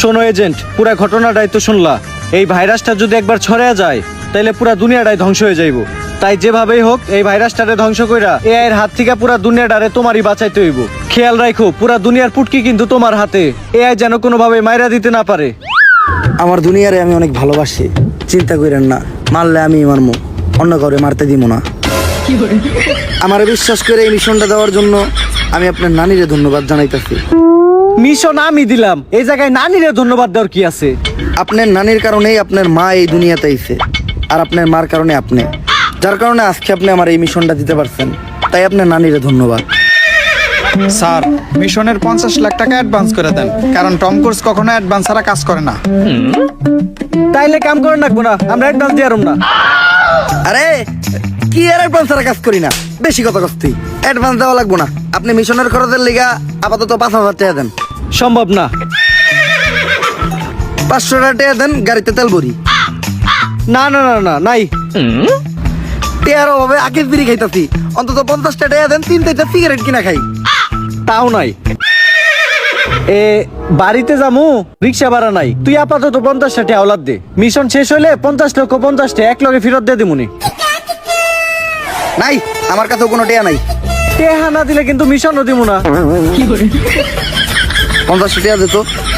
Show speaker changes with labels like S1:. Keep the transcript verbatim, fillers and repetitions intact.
S1: শোনো এজেন্ট, পুরা ঘটনাটাই তো শুনলা। এই ভাইরাসটা যদি একবার ছড়ায়া যায় তাহলে পুরা দুনিয়াটাই ধ্বংস হয়ে যাইব। তাই যেভাবেই হোক এই ভাইরাসটারে ধ্বংস কইরা এআই এর হাত থেকে পুরা দুনিয়াটারে তোমারই বাঁচাইতে হইব। খেয়াল রাখো পুরা দুনিয়ার পুটকি কিন্তু তোমার হাতে, এআই যেন কোনোভাবে মাইরা দিতে না পারে।
S2: আমার দুনিয়ারে আমি অনেক ভালোবাসি, চিন্তা করেন না, মারলে আমি মারমু, অন্য কাউরে মারতে দিব না। আমার বিশ্বাস করে এই মিশনটা দেওয়ার জন্য আমি আপনার নানিরে ধন্যবাদ জানাইতেছি।
S1: মিশন আমি দিলাম, এই জায়গায় নানিরে ধন্যবাদ দেওয়ার কি আছে?
S2: আপনার নানির কারণেই আপনার মা এই দুনিয়াতে আইছে, আর আপনার মার কারণে আপনি, যার কারণে আজকে আপনি আমার এই মিশনটা দিতে পারছেন, তাই আপনার নানিরে ধন্যবাদ।
S3: স্যার, মিশনের পঞ্চাশ লাখ টাকা অ্যাডভান্স করে দেন, কারণ টম ক্রুজ কখনো অ্যাডভান্স ছাড়া কাজ করে না।
S1: তাইলে কাম করে রাখবো না, আমরা অ্যাডভান্স দিয়ে না।
S2: আরে কি আর অ্যাডভান্স ছাড়া কাজ করি না, বেশি কথা কস্তি, অ্যাডভান্স দেওয়া লাগবো না। আপনি মিশনের খরচের লিগা আপাতত পাঁচ হাজার টাকা দেন।
S1: সম্ভব না।
S2: পাঁচশো টাকা টাকা দেন, গাড়িতে তেল ভরি।
S1: না না না না নাই।
S2: টেয়ার অভাবে আগের বিড়ি খাইতাছি, অন্তত পঞ্চাশটা টাকা দেন, তিন চারটা সিগারেট কিনা খাই।
S1: তাও নাই। এ বাড়িতে যামু, রিক্সা ভাড়া নাই, তুই আপাতত পঞ্চাশটা টাকা ওলাদ দে। মিশন শেষ হইলে পঞ্চাশ লক্ষ পঞ্চাশটা এক লগে ফেরত দিয়ে দিমুনি।
S2: নাই, আমার কাছেও কোনো টেয়া নাই।
S1: টেহা না দিলে কিন্তু মিশনও দিমু না।
S2: পঞ্চাশটা টাকা যেত